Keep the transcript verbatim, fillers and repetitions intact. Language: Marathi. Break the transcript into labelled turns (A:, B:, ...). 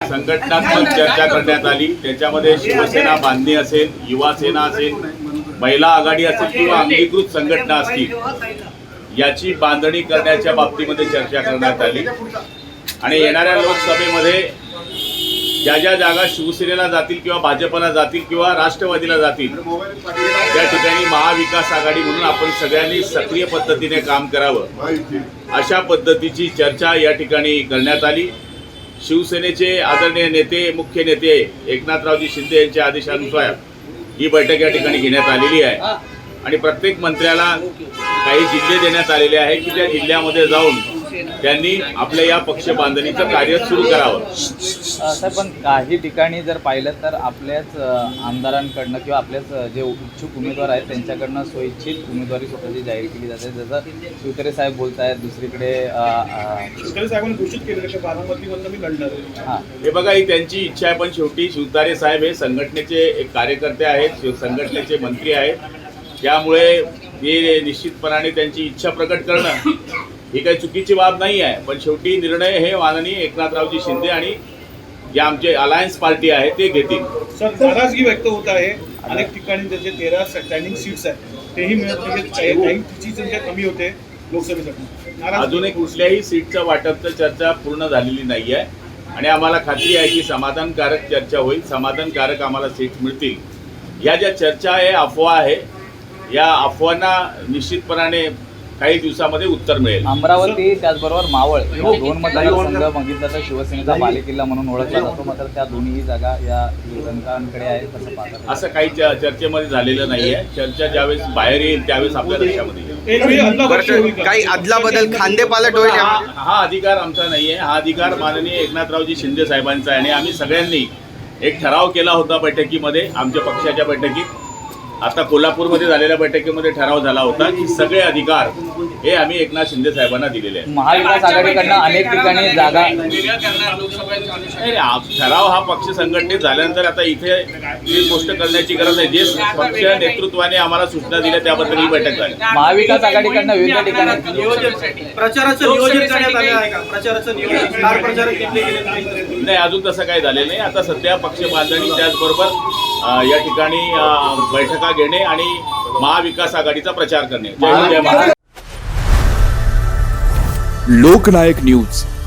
A: संघटनात्मक चर्चा करण्यात आली। त्याच्यामध्ये शिवसेना बांधणी असेल, युवा सेना असेल, महिला आघाडी असेल किंवा अंगीकृत संघटना असतील, याची बांधणी करण्याच्या बाबतीमध्ये चर्चा करण्यात आली। आणि येणाऱ्या लोकसभेमध्ये ज्या ज्या जागा शिवसेनेला जातील किंवा भाजपला जातील किंवा राष्ट्रवादीला जातील, त्या ठिकाणी महाविकास आघाडी म्हणून आपण सगळ्यांनी सक्रिय पद्धतीने काम करावं, अशा पद्धतीची चर्चा या ठिकाणी करण्यात आली। शिवसेनेचे आदरणीय नेते, मुख्य नेते एकनाथरावजी शिंदे यांच्या आदेशानुसार ही बैठक या ठिकाणी घेण्यात आलेली आहे आणि प्रत्येक मंत्र्याला काही जिल्हे देण्यात आलेले आहे की त्या जिल्ह्यामध्ये जाऊन त्यांनी आपल्या या पक्ष बांधणीचं कार्य सुरू करावं।
B: सर, पण काही ठिकाणी जर पाहिलं तर आपल्याच आमदारांकडनं किंवा आपल्याच जे इच्छुक उमेदवार आहेत त्यांच्याकडनं स्वइच्छित उमेदवारी स्वतःची जाहीर केली जाते। जसं शिवतरे साहेब बोलत आहेत, दुसरीकडे
C: शिवतरे साहेबांनी घोषित केलेलं की बारामतीमधनं मी लढणार।
A: हां, हे बघा, ही त्यांची इच्छा आहे, पण शेवटी शिवतारे साहेब हे संघटनेचे एक कार्यकर्ते आहेत, संघटनेचे मंत्री आहेत, त्यामुळे हे निश्चितपणाने त्यांची इच्छा प्रकट करणं ही काही चुकीची बाब नाही आहे। पण शेवटी निर्णय हे माननीय एकनाथरावजी शिंदे आणि जे आमचे अलायन्स पार्टी आहे ते घेतील।
C: सर, नाराजगी व्यक्त होत आहे, अनेक ठिकाणी त्याचे तेरा स्टँडिंग सीट्स आहेत तेही मिळत नाही, काही तिची संख्या कमी होते लोकसभेसाठी।
A: अजूनही कुठल्याही सीटचं वाटपचं चर्चा पूर्ण झालेली नाही आहे आणि आम्हाला खात्री आहे की समाधानकारक चर्चा होईल, समाधानकारक आम्हाला सीट मिळतील। या ज्या चर्चा आहे, अफवा आहे, या अफवांना निश्चितपणाने काही दिवसामध्ये उत्तर मिळेल।
B: अमरावती त्याचबरोबर मावळ या दोन मतदारसंघ बघितलं तर शिवसेनेचा बालेकिल्ला म्हणून ओळखला जातो, मात्र त्या दोन्ही जागा या युवकांकडे आहेत, कसं पाहतात?
A: असं काही चर्चेमध्ये झालेलं नाही आहे। चर्चा ज्यावेळेस बाहेर येईल त्यावेळेस आपल्या लक्षामध्ये येईल।
D: काही अदला बदल खांदेपालट होईल,
A: हा अधिकार आमचा नाही आहे, हा अधिकार माननीय एकनाथरावजी शिंदे साहेबांचा आहे। आणि आम्ही सगळ्यांनी एक ठराव केला होता बैठकीमध्ये, आमच्या पक्षाच्या बैठकीत, आता कोल्हापूरमध्ये झालेल्या बैठकीमध्ये ठराव झाला होता की सगळे अधिकार हे आम्ही एकनाथ शिंदे साहेबांना दिलेले आहेत।
B: महाविकास आघाडीकडनं अनेक ठिकाणी जागा
A: ठराव हा पक्ष संघटनेत झाल्यानंतर आता इथे ही गोष्ट करण्याची गरज नाही। जे पक्ष नेतृत्वाने आम्हाला सूचना दिल्या त्याबद्दल ही बैठक झाली।
B: महाविकास आघाडीकडनं विविध ठिकाणी
C: प्रचाराचं नियोजन करण्यात आले आहे का? प्रचाराचं नियोजन स्टार प्रचारक घेतले गेले
A: नाही, अजून तसं काही झालेलं नाही। आता सध्या पक्ष बांधणी त्याचबरोबर या ठिकाणी बैठका घेणे आणि महाविकास आघाडीचा प्रचार करणे। जय हिंद, जय महाराष्ट्र।
E: लोकनायक न्यूज